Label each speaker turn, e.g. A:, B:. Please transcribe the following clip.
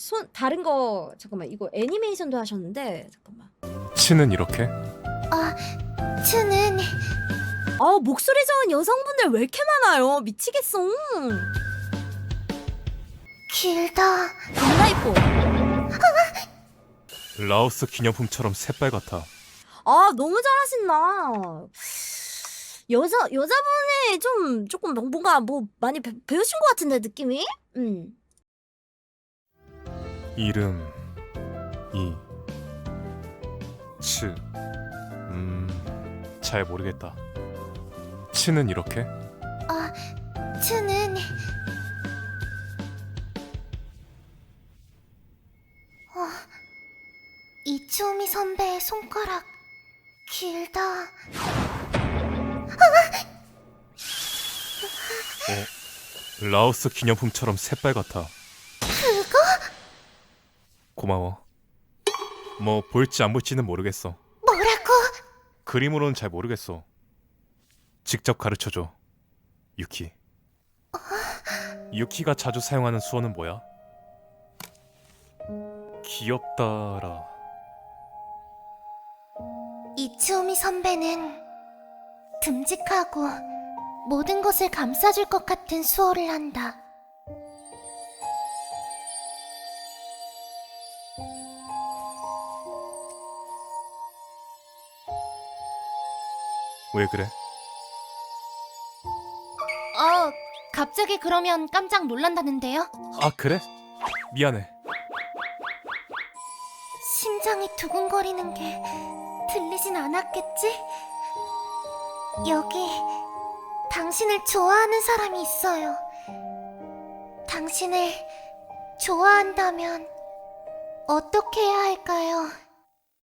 A: 다른 거 잠깐만 이거 애니메이션도 하셨는데 잠깐만.
B: 치는 이렇게?
C: 츠는
A: 아 목소리 좋은 여성분들 왜 이렇게 많아요? 미치겠어.
C: 길다.
A: 겁나 이뻐.
B: 라오스 기념품처럼 새빨갛다.
A: 아 너무 잘하신다. 여자분이 조금 뭔가 뭐 많이 배우신 것 같은데 느낌이?
B: 이름 잘 모르겠다. 치는 이렇게?
C: 츠는 이츠오미 선배의 손가락 길다.
B: 라오스 기념품처럼 새빨갛다.
C: 그거?
B: 고마워. 뭐 볼지 안 볼지는 모르겠어.
C: 뭐라고?
B: 그림으로는 잘 모르겠어. 직접 가르쳐줘, 유키. 유키가 자주 사용하는 수어는 뭐야? 귀엽다라.
C: 이츠오미 선배는 듬직하고 모든 것을 감싸줄 것 같은 수어를 한다.
B: 왜 그래?
C: 갑자기 그러면 깜짝 놀란다는데요?
B: 아 그래? 미안해.
C: 심장이 두근거리는 게 들리진 않았겠지? 여기 당신을 좋아하는 사람이 있어요. 당신을 좋아한다면 어떻게 해야 할까요?